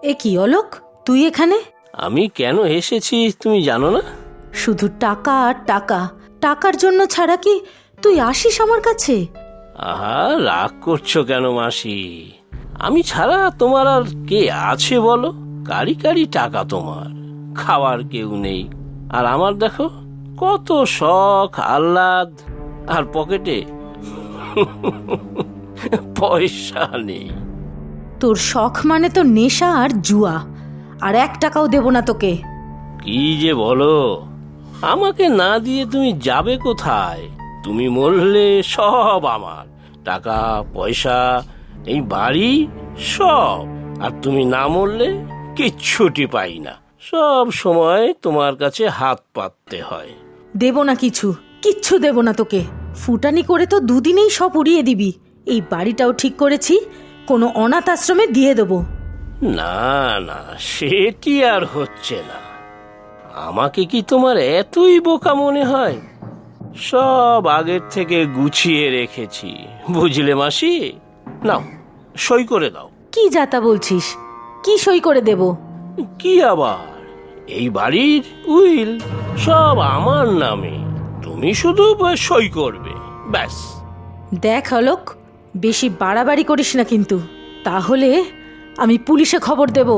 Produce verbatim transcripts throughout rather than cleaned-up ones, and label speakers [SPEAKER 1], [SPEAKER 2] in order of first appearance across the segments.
[SPEAKER 1] এ কি অলোক, তুই এখানে?
[SPEAKER 2] আমি কেন এসেছি তুমি জানো না?
[SPEAKER 1] শুধু টাকা আর টাকা, টাকার জন্য ছাড়া কি তুই আসিস আমার কাছে?
[SPEAKER 2] আহা, রাগ করছো কেন মাসি? আমি ছাড়া তোমার আর কে আছে বলো? কারি কারি টাকা তোমার, খাওয়ার কেউ নেই। আর আমার দেখো কত শখ আহ্লাদ, আর পকেটে পয়সা নেই।
[SPEAKER 1] তোর শখ মানে তো নেশা আর জুয়া, আর এক টাকাও দেব না তোকে।
[SPEAKER 2] কি যে বলো, আমাকে না দিয়ে তুমি যাবে কোথায়? তুমি মরলে সব আমার, টাকা পয়সা এই বাড়ি সব। আর তুমি না মরলে কিচ্ছুটি পাই না, সব সময় তোমার কাছে হাত পাততে হয়।
[SPEAKER 1] দেব না কিছু, কিচ্ছু দেব না তোকে। ফুটানি করে তো দুদিনেই সব উড়িয়ে দিবি। এই বাড়িটাও ঠিক করেছি, কোনো অনাথ আশ্রমে দিয়ে দেবো।
[SPEAKER 2] না না, সেটি আর হচ্ছে না। আমাকে কি তোমার এতই বোকা মনে হয়? সব আগের থেকে গুছিয়ে রেখেছি, বুঝলে মাসি? নাও, সই করে দাও।
[SPEAKER 1] কি যাতা বলছিস? কি সই করে দেব?
[SPEAKER 2] কি আবার, এই বাড়ির উইল সব আমার নামে, তুমি শুধু সই করবে, ব্যাস।
[SPEAKER 1] দেখ অলোক, বেশি বাড়াবাড়ি করিস না কিন্তু, তাহলে আমি পুলিশে খবর দেব।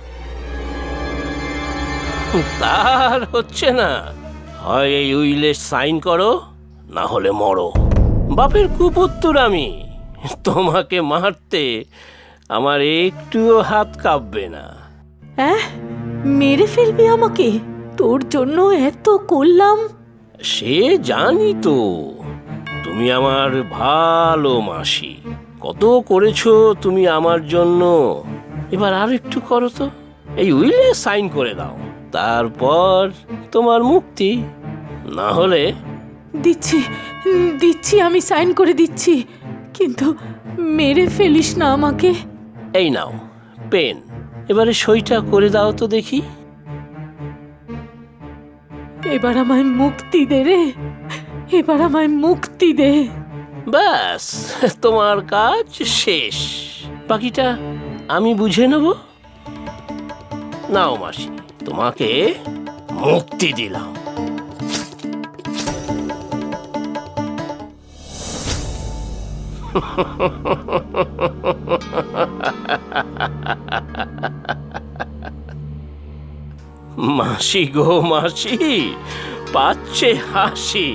[SPEAKER 2] তার হচ্ছে না, হয় এই উইলে সাইন করো, না হলে মরো। বাপের কুপুত্তর আমি, তোমাকে মারতে আমার একটুও হাত কাঁপবে না।
[SPEAKER 1] হ্যাঁ, মেরে ফেলবি আমাকে? তোর জন্য এত করলাম।
[SPEAKER 2] সে জানি তো, তুমি আমার ভালো মাসি, কত করেছো তুমি আমার জন্য। এবার আর একটু করো তো, এই উইলে সাইন করে দাও, তারপর তোমার মুক্তি। না হলে
[SPEAKER 1] দিচ্ছি দিচ্ছি আমি সাইন করে দিচ্ছি, কিন্তু মেরে ফেলিস না আমাকে।
[SPEAKER 2] এই নাও পেন, এবারে সইটা করে দাও তো দেখি।
[SPEAKER 1] এবার আমায় মুক্তি দে রে, এবার আমায় মুক্তি দে।
[SPEAKER 2] ব্যাস, তোমার কাজ শেষ, বাকিটা আমি বুঝে নেব। নাও মাসি, তোমাকে মুক্তি দিলাম। মাসি গো মাসি, পাচ্ছে হাসি,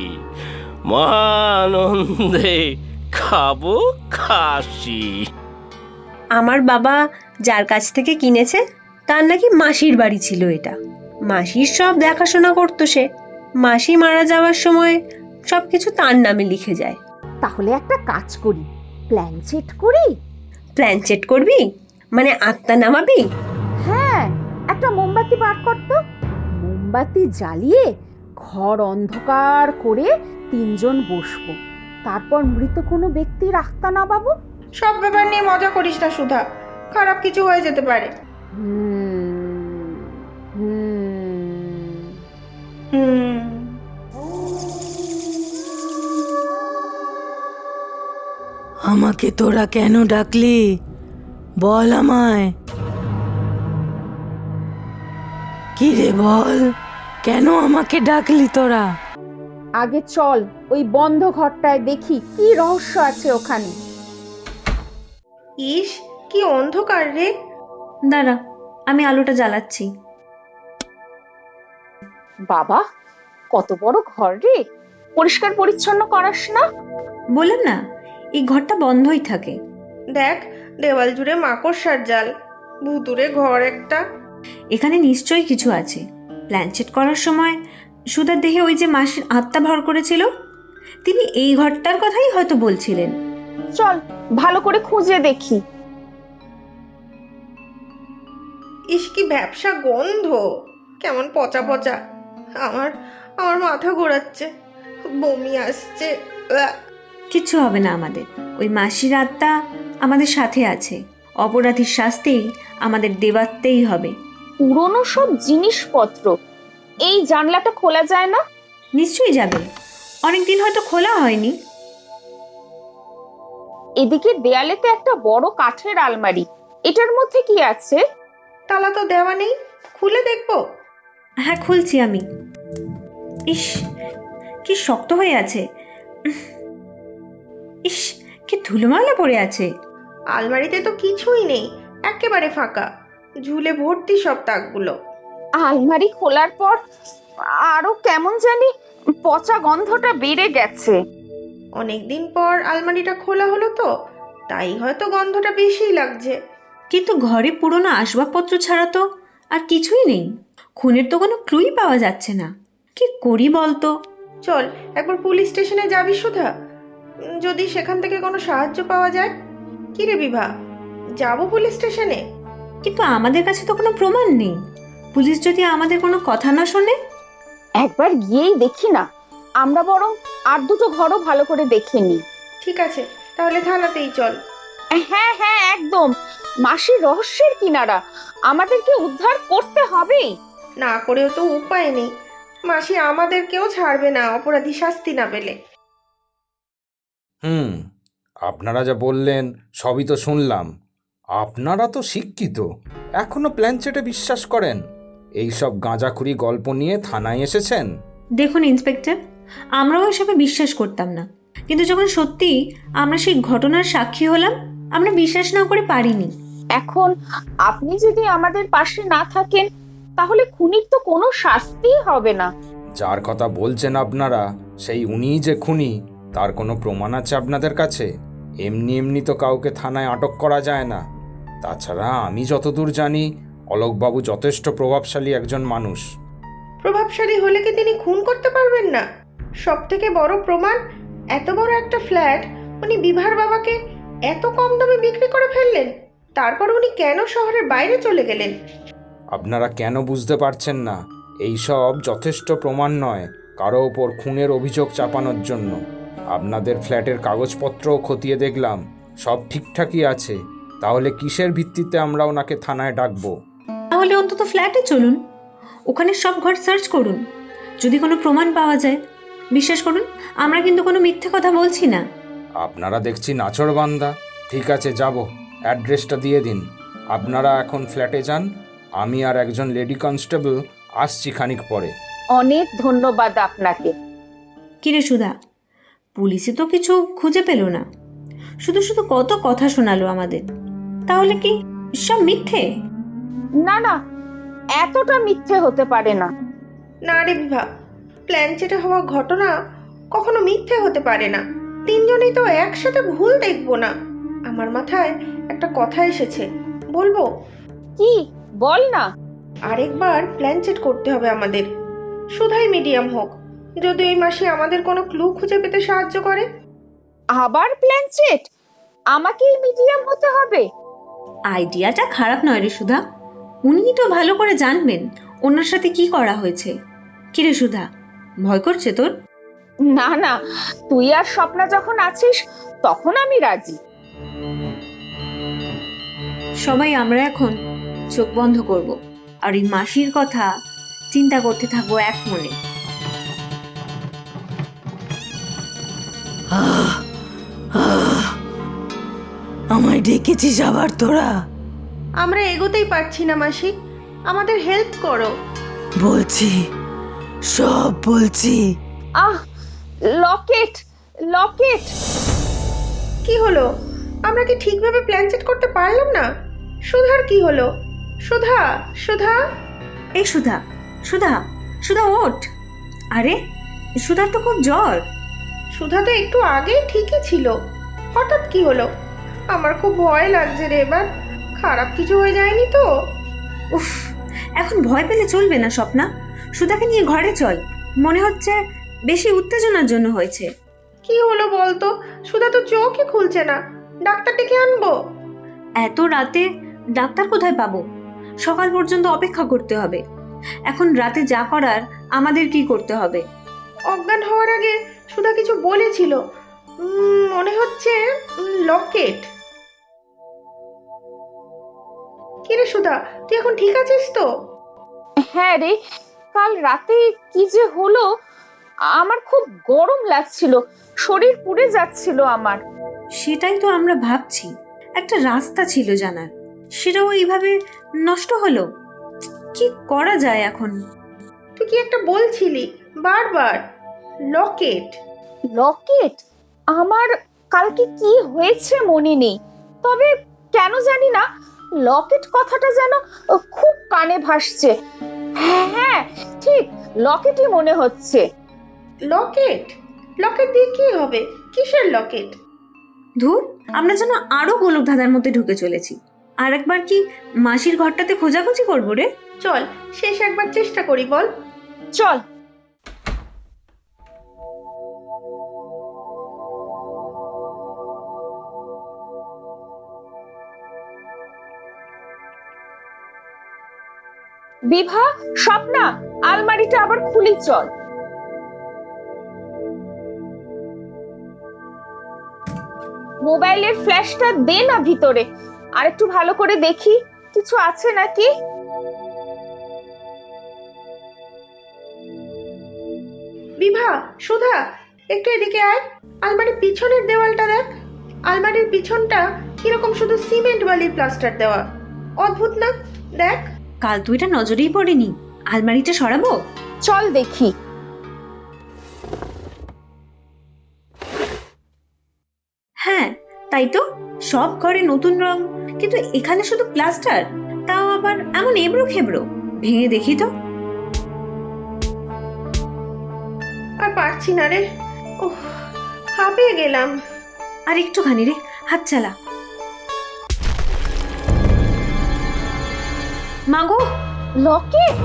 [SPEAKER 2] মহানন্দে খাবো খাসি।
[SPEAKER 3] আমার বাবা যার কাছ থেকে কিনেছে তার নাকি মাসির বাড়ি ছিল এটা। মাসির সব দেখাশোনা করতো সে। মাসি মারা যাওয়ার সময় সবকিছু তার নামে লিখে যায়।
[SPEAKER 4] তাহলে একটা কাজ করি, প্ল্যান সেট করি।
[SPEAKER 3] প্ল্যান সেট করবি মানে আত্মা নামাবি?
[SPEAKER 4] হ্যাঁ, একটা মোমবাতি বার করতো, মোমবাতি জ্বালিয়ে ঘর অন্ধকার করে তিনজন বসবো, তারপর মৃত কোনো ব্যক্তির আত্মা নামাবো।
[SPEAKER 5] সব ব্যাপার নিয়ে মজা করিস না সুধা, খারাপ কিছু হয়ে যেতে পারে।
[SPEAKER 4] হুম হুম
[SPEAKER 5] হুম
[SPEAKER 1] আমাকে তোরা কেন ডাকলি বল আমায়? কি রে বল, কেন আমাকে ডাকলি তোরা?
[SPEAKER 4] আগে চল ওই বন্ধ ঘরটায় দেখি কি রহস্য আছে ওখানে।
[SPEAKER 5] ইস, কি অন্ধকার রে।
[SPEAKER 3] দাঁড়া, আমি আলোটা জ্বালাচ্ছি।
[SPEAKER 4] বাবা, কত বড় ঘর রে, পরিষ্কার পরিচ্ছন্ন করাস না?
[SPEAKER 3] বললাম না, এই ঘরটা বন্ধই থাকে।
[SPEAKER 5] দেখ, দেওয়াল জুড়ে মাকড়সার জাল, ভুতুরে ঘর একটা।
[SPEAKER 3] এখানে নিশ্চয়ই কিছু আছে। প্ল্যান সেট করার সময় সুধার দেহে ওই যে মাসির আত্মা ভর করেছিল, তিনি এই ঘরটার কথাই হয়তো বলছিলেন।
[SPEAKER 4] চল ভালো করে খুঁজে দেখি।
[SPEAKER 5] ইস, কি ব্যবসা গন্ধ, কেমন পচা পচা। আমার আমার মাথা ঘোরাচ্ছে, বমি আসছে। আহ!
[SPEAKER 3] কিচ্ছু হবে না আমাদের, ওই মাসির আত্মা আমাদের সাথে আছে। অপরাধীর শাস্তি আমাদের দেওয়াতেই হবে।
[SPEAKER 4] পুরনো সব জিনিসপত্র, এই জানলাটা খোলা যায় না?
[SPEAKER 3] নিশ্চয়ই যাবে, অনেকদিন হয়তো খোলা হয়নি।
[SPEAKER 4] এদিকে দেয়ালেতে একটা বড় কাঠের আলমারি, এটার মধ্যে কি আছে?
[SPEAKER 5] তালা তো দেওয়া নেই, খুলে দেখবো?
[SPEAKER 3] হ্যাঁ, খুলছি আমি। ইস, কি শক্ত হয়ে আছে। উফ, ইস, কি ধুলোমালা পড়ে আছে।
[SPEAKER 5] আলমারিতে তো কিছুই নেই, একেবারে ফাঁকা, ঝুলে ভর্তি সব তাকগুলো।
[SPEAKER 4] আলমারি খোলার পর আরো কেমন জানি পচা গন্ধটা বেড়ে গেছে।
[SPEAKER 5] অনেকদিন পর আলমারিটা খোলা হলো তো, তাই হয়তো গন্ধটা বেশিই লাগছে।
[SPEAKER 3] কিন্তু ঘরে পুরনো আসবাবপত্র ছাড়া তো আর কিছুই নেই। খুনের তো কোনো ক্লুই পাওয়া যাচ্ছে না। কি করি বলতো?
[SPEAKER 5] চল একবার পুলিশ স্টেশনে যাবি সুধা, উম, যদি সেখান থেকে কোনো সাহায্য পাওয়া যায়। কি রে বিভা, যাবো পুলিশ স্টেশনে?
[SPEAKER 3] কিন্তু আমাদের কাছে তো কোনো প্রমাণ নেই। পুলিশ যদি আমাদের কোনো কথা না শোনে?
[SPEAKER 4] একবার গিয়েই দেখি না, আমরা বরং আর দুটো ঘরও ভালো করে দেখে নিই।
[SPEAKER 5] ঠিক আছে, তাহলে থানাতেই চল।
[SPEAKER 4] হ্যাঁ হ্যাঁ, একদম। মাসির রহস্যের কিনারা আমাদেরকে উদ্ধার করতে হবেই।
[SPEAKER 5] না করেও তো উপায় নেই, মাসি আমাদেরকেও ছাড়বে না অপরাধী শাস্তি না পেলে।
[SPEAKER 6] হুম, আপনারা যা বললেন সবই তো শুনলাম। আপনারা তো শিক্ষিত, এখনো প্ল্যানচেটে বিশ্বাস করেন? এই সব গাঁজাখুরি গল্প নিয়ে থানায় এসেছেন?
[SPEAKER 3] দেখুন ইন্সপেক্টর, আমরাও এসবে বিশ্বাস করতাম না, কিন্তু যখন সত্যি আমরা সেই ঘটনার সাক্ষী হলাম, আমরা বিশ্বাস না করে পারিনি।
[SPEAKER 4] এখন আপনি যদি আমাদের পাশে না থাকেন, তাহলে খুনির তো কোনো শাস্তিই হবে না।
[SPEAKER 6] যার কথা বলছেন আপনারা, সেই উনিই যে খুনি, তার কোনো প্রমাণ আছে আপনাদের কাছে? এমনি এমনি তো কাউকে থানায় আটক করা যায় না। তাছাড়া আমি যতদূর জানি, অলোকবাবু যথেষ্ট প্রভাবশালী একজন মানুষ।
[SPEAKER 5] প্রভাবশালী হলে কি তিনি খুন করতে পারবেন না? সব থেকে বড় প্রমাণ, এত বড় একটা ফ্ল্যাট উনি বিভার বাবাকে এত কম দামে বিক্রি করে ফেললেন। তারপর উনি কেন শহরের বাইরে চলে গেলেন?
[SPEAKER 6] আপনারা কেন বুঝতে পারছেন না? এই সব যথেষ্ট প্রমাণ নয় কারো ওপর খুনের অভিযোগ চাপানোর জন্য। আপনাদের ফ্ল্যাটের কাগজপত্রও খতিয়ে দেখলাম, সব ঠিকঠাকই আছে। তাহলে কিসের ভিত্তিতে আমরা ওনাকে থানায় ডাকবো?
[SPEAKER 3] তাহলে অন্তত ফ্ল্যাটে চলুন, ওখানে সব ঘর সার্চ করুন, যদি কোনো প্রমাণ পাওয়া যায়। বিশ্বাস করুন, আমরা কিন্তু কোনো মিথ্যে কথা বলছি না।
[SPEAKER 6] আপনারা দেখছি নাছোড়বান্দা। ঠিক আছে, যাব, অ্যাড্রেসটা দিয়ে দিন। আপনারা এখন ফ্ল্যাটে যান, আমি আর একজন লেডি কনস্টেবল আসছি খানিক পরে।
[SPEAKER 4] অনেক ধন্যবাদ আপনাকে।
[SPEAKER 3] কিরে সুধা, পুলিশে তো কিছু খুঁজে পেল না, শুধু শুধু কত কথা শোনালো আমাদের। তাহলে কি সব মিথ্যে?
[SPEAKER 4] না না, এতটা মিথ্যে হতে পারে না।
[SPEAKER 5] না রে বিভা, প্ল্যানচেটে হওয়া ঘটনা কখনো মিথ্যে হতে পারে না। তিনজনেই তো একসাথে ভুল দেখবো না। আমার মাথায় একটা কথা এসেছে, বলবো?
[SPEAKER 4] কি, বল না।
[SPEAKER 5] আরেকবার প্ল্যানচেট করতে হবে আমাদের, শুধাই মিডিয়াম হোক, যদি ওই মাসে আমাদের কোনো ক্লু খুঁজে পেতে সাহায্য করে।
[SPEAKER 4] আবার প্ল্যানচেট? আমাকেই মিডিয়াম হতে হবে?
[SPEAKER 3] আইডিয়াটা খারাপ নয় রে সুধা, উনিই তো ভালো করে জানবেন ওনার সাথে কি করা হয়েছে। কিরে সুধা, ভয় করছে তোর?
[SPEAKER 4] না না, তুই আর স্বপ্না যখন আছিস তখন আমি রাজি।
[SPEAKER 3] সবাই আমরা এখন চোখ বন্ধ করব আর এই মাসির কথা চিন্তা করতে থাকবো এক মনে।
[SPEAKER 1] আমায় ডেকেছিস আবার তোরা?
[SPEAKER 5] আমরা এগোতেই পারছি না মাসি, আমাদের হেল্প করো।
[SPEAKER 1] বলছি, সব বলছি।
[SPEAKER 4] আহ, লকেট লকেট।
[SPEAKER 5] কি হলো? আমরা কি ঠিকভাবে প্ল্যানচেট করতে পারলাম না? সুধার কি হলো? সুধা, সুধা!
[SPEAKER 3] এই সুধা, সুধা, সুধা ওঠ। আরে সুধার তো খুব জ্বর।
[SPEAKER 5] সুধা তো একটু আগেই ঠিকই ছিল, হঠাৎ কি হলো? আমার খুব ভয় লাগছে রে এবার, খারাপ কিছু হয়ে যায়নি তো?
[SPEAKER 3] উফ, এখন ভয় পেলে চলবে না স্বপ্না, সুধাকে নিয়ে ঘরে চল। মনে হচ্ছে বেশি উত্তেজনার জন্য হয়েছে।
[SPEAKER 5] কি হলো বলতো? সুধা তো চোখই খুলছে না, ডাক্তার ডেকে আনবো?
[SPEAKER 3] এত রাতে ডাক্তার কোথায় পাবো? সকাল পর্যন্ত অপেক্ষা করতে হবে। এখন রাতে যা করার আমাদের কি করতে হবে?
[SPEAKER 5] অজ্ঞান হওয়ার আগে সুধা কিছু বলেছিল, উম, মনে হচ্ছে লকেট। কিরে সুধা, তুই এখন ঠিক আছিস তো?
[SPEAKER 4] হ্যাঁ রে, কাল রাতে কি যে হলো, আমার খুব গরম লাগছিল, শরীর পুড়ে যাচ্ছিল আমার।
[SPEAKER 3] সেটাই তো আমরা ভাবছি, একটা রাস্তা ছিল জানার, সেটাও এইভাবে নষ্ট হলো। কি করা যায় এখন?
[SPEAKER 5] তুই কি একটা বলছিলি বারবার? লকেট।
[SPEAKER 4] লকেট? আমার কালকে কি হয়েছে মনে নেই, তবে কেন জানি না লকেট কথাটা যেন খুব কানে ভাসছে। হ্যাঁ হ্যাঁ, ঠিক লকেটই মনে হচ্ছে।
[SPEAKER 5] লকেট? লকেট দিয়ে কি হবে? কিসের লকেট?
[SPEAKER 3] ধুর, আমরা যেন আরো গোলক ধাঁধার মধ্যে ঢুকে চলেছি। আর একবার কি মাসির ঘরটাতে খোঁজাখুঁজি করবো রে?
[SPEAKER 5] চল শেষ একবার চেষ্টা করি, বল।
[SPEAKER 4] চল। বিভা, স্বপ্না, আলমারিটা আবার খুলি চল। মোবাইলের ফ্ল্যাশটা দে না ভিতরে, আর একটু ভালো করে দেখি কিছু আছে নাকি।
[SPEAKER 5] বিভা, সুধা, একটু এদিকে আয়। আলমারির পিছনের দেওয়ালটা দেখ। আলমারির পিছনটা কিরকম শুধু সিমেন্ট বালির প্লাস্টার দেওয়া। অদ্ভুত না? দেখ।
[SPEAKER 3] কাল তো এটা নজরেই পড়েনি। আলমারিটা সরাবো?
[SPEAKER 4] চল দেখি।
[SPEAKER 3] হ্যাঁ, তাই তো। সব ঘরে নতুন রং, কিন্তু এখানে শুধু প্লাস্টার, তাও আবার এমন এবড়ো খেবড়ো। ভেঙে দেখি তো।
[SPEAKER 5] আর পারছি না রে, ওহ, হাঁপিয়ে গেলাম।
[SPEAKER 3] আর একটুখানি রে, হাত চালা। মাগো,
[SPEAKER 4] লকেট?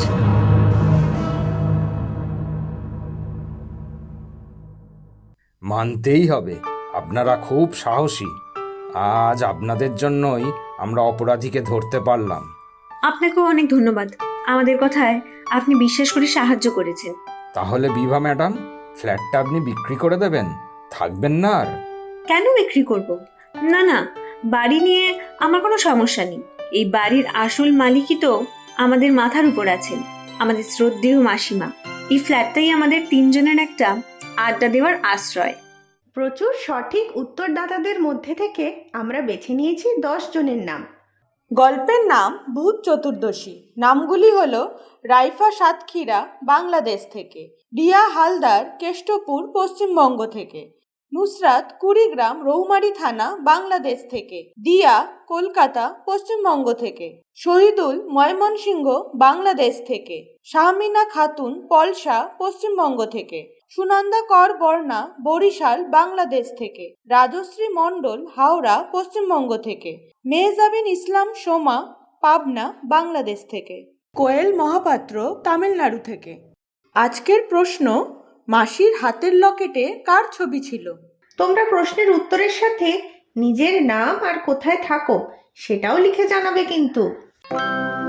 [SPEAKER 6] মানতেই হবে, আপনারা খুব সাহসী। আজ আপনাদের জন্যই আমরা অপরাধীকে ধরতে পারলাম।
[SPEAKER 3] আপনাকেও অনেক ধন্যবাদ। আমাদের কথায় আপনি বিশ্বাস করে সাহায্য করেছেন।
[SPEAKER 6] তাহলে বিভা ম্যাডাম, ফ্ল্যাটটা আপনি বিক্রি করে দেবেন? থাকবেন না আর?
[SPEAKER 3] কেন বিক্রি করব? না না, বাড়ি নিয়ে আমার কোনো সমস্যা নেই। এই বাড়ির আসল মালিকই তো আমাদের মাথার উপর আছেন, আমাদের শ্রদ্ধেয় মাসিমা। এই ফ্ল্যাটটাই আমাদের তিনজনের একটা আড্ডা দেওয়ার আশ্রয়।
[SPEAKER 5] প্রচুর সঠিক উত্তরদাতাদের মধ্যে থেকে আমরা বেছে নিয়েছি দশ জনের নাম।
[SPEAKER 7] গল্পের নাম ভূত চতুর্দশী। নামগুলি হল রাইফা সাতক্ষীরা বাংলাদেশ থেকে, রিয়া হালদার কেষ্টপুর পশ্চিমবঙ্গ থেকে, নুসরাত কুড়িগ্রাম রৌমারী থানা বাংলাদেশ থেকে, দিয়া কলকাতা পশ্চিমবঙ্গ থেকে, শহীদুল ময়মনসিংহ বাংলাদেশ থেকে, শাহমিনা খাতুন পলসা পশ্চিমবঙ্গ থেকে, সুনন্দা কর বর্ণা বরিশাল বাংলাদেশ থেকে, রাজশ্রী মণ্ডল হাওড়া পশ্চিমবঙ্গ থেকে, মেহজাবিন ইসলাম সোমা পাবনা বাংলাদেশ থেকে, কোয়েল মহাপাত্র তামিলনাড়ু থেকে। আজকের প্রশ্ন, মাসির হাতের লকেটে কার ছবি ছিল?
[SPEAKER 5] তোমরা প্রশ্নের উত্তরের সাথে নিজের নাম আর কোথায় থাকো সেটাও লিখে জানাবে কিন্তু।